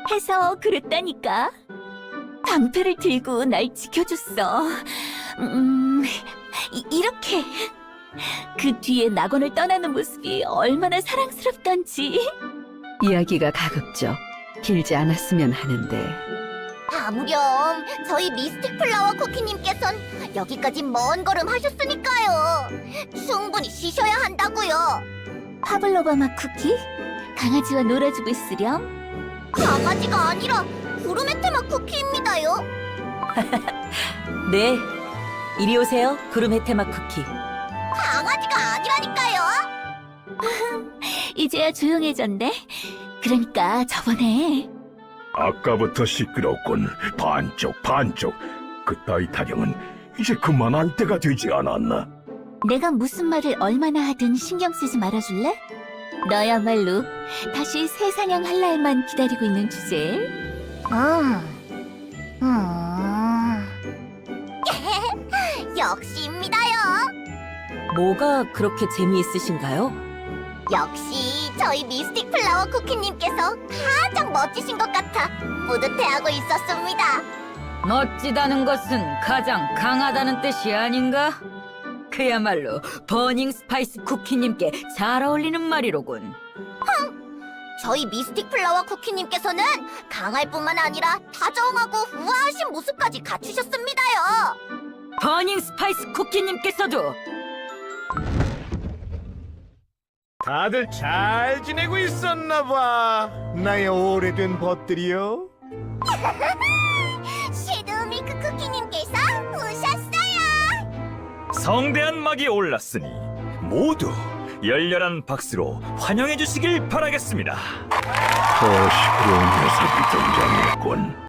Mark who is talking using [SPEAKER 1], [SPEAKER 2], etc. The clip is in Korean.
[SPEAKER 1] 해서 그랬다니까. 방패를 들고 날 지켜줬어. 이렇게. 그 뒤에 낙원을 떠나는 모습이 얼마나 사랑스럽던지.
[SPEAKER 2] 이야기가 가급적 길지 않았으면 하는데.
[SPEAKER 3] 아무렴 저희 미스틱 플라워 쿠키님께선 여기까지 먼 걸음 하셨으니까요. 충분히 쉬셔야 한다고요.
[SPEAKER 1] 파블로바 맛 쿠키? 강아지와 놀아주고 있으렴.
[SPEAKER 3] 강아지가 아니라 구르메테마 쿠키입니다요.
[SPEAKER 1] 네, 이리 오세요, 구름헤테마 쿠키.
[SPEAKER 3] 강아지가 아니라니까요.
[SPEAKER 1] 이제야 조용해졌네. 그러니까 저번에
[SPEAKER 4] 아까부터 시끄럽군. 반쪽. 그따위 타령은 이제 그만할 때가 되지 않았나?
[SPEAKER 1] 내가 무슨 말을 얼마나 하든 신경 쓰지 말아줄래? 너야말로 다시 새 사냥할 날만 기다리고 있는 주제에.
[SPEAKER 3] 역시입니다요.
[SPEAKER 1] 뭐가 그렇게 재미있으신가요?
[SPEAKER 3] 역시 저희 미스틱 플라워 쿠키님께서 가장 멋지신 것 같아 뿌듯해하고 있었습니다.
[SPEAKER 5] 멋지다는 것은 가장 강하다는 뜻이 아닌가? 그야말로 버닝 스파이스 쿠키님께 잘 어울리는 말이로군.
[SPEAKER 3] 저희 미스틱 플라워 쿠키님께서는 강할 뿐만 아니라 다정하고 우아하신 모습까지 갖추셨습니다요.
[SPEAKER 5] 버닝 스파이스 쿠키님께서도
[SPEAKER 6] 다들 잘 지내고 있었나 봐. 나의 오래된 벗들이요.
[SPEAKER 3] 시드미크 쿠키님께서 오셨어요.
[SPEAKER 7] 성대한 막이 올랐으니 모두 열렬한 박수로 환영해 주시길 바라겠습니다.
[SPEAKER 4] 저 시끄러운 녀석이 등장했군.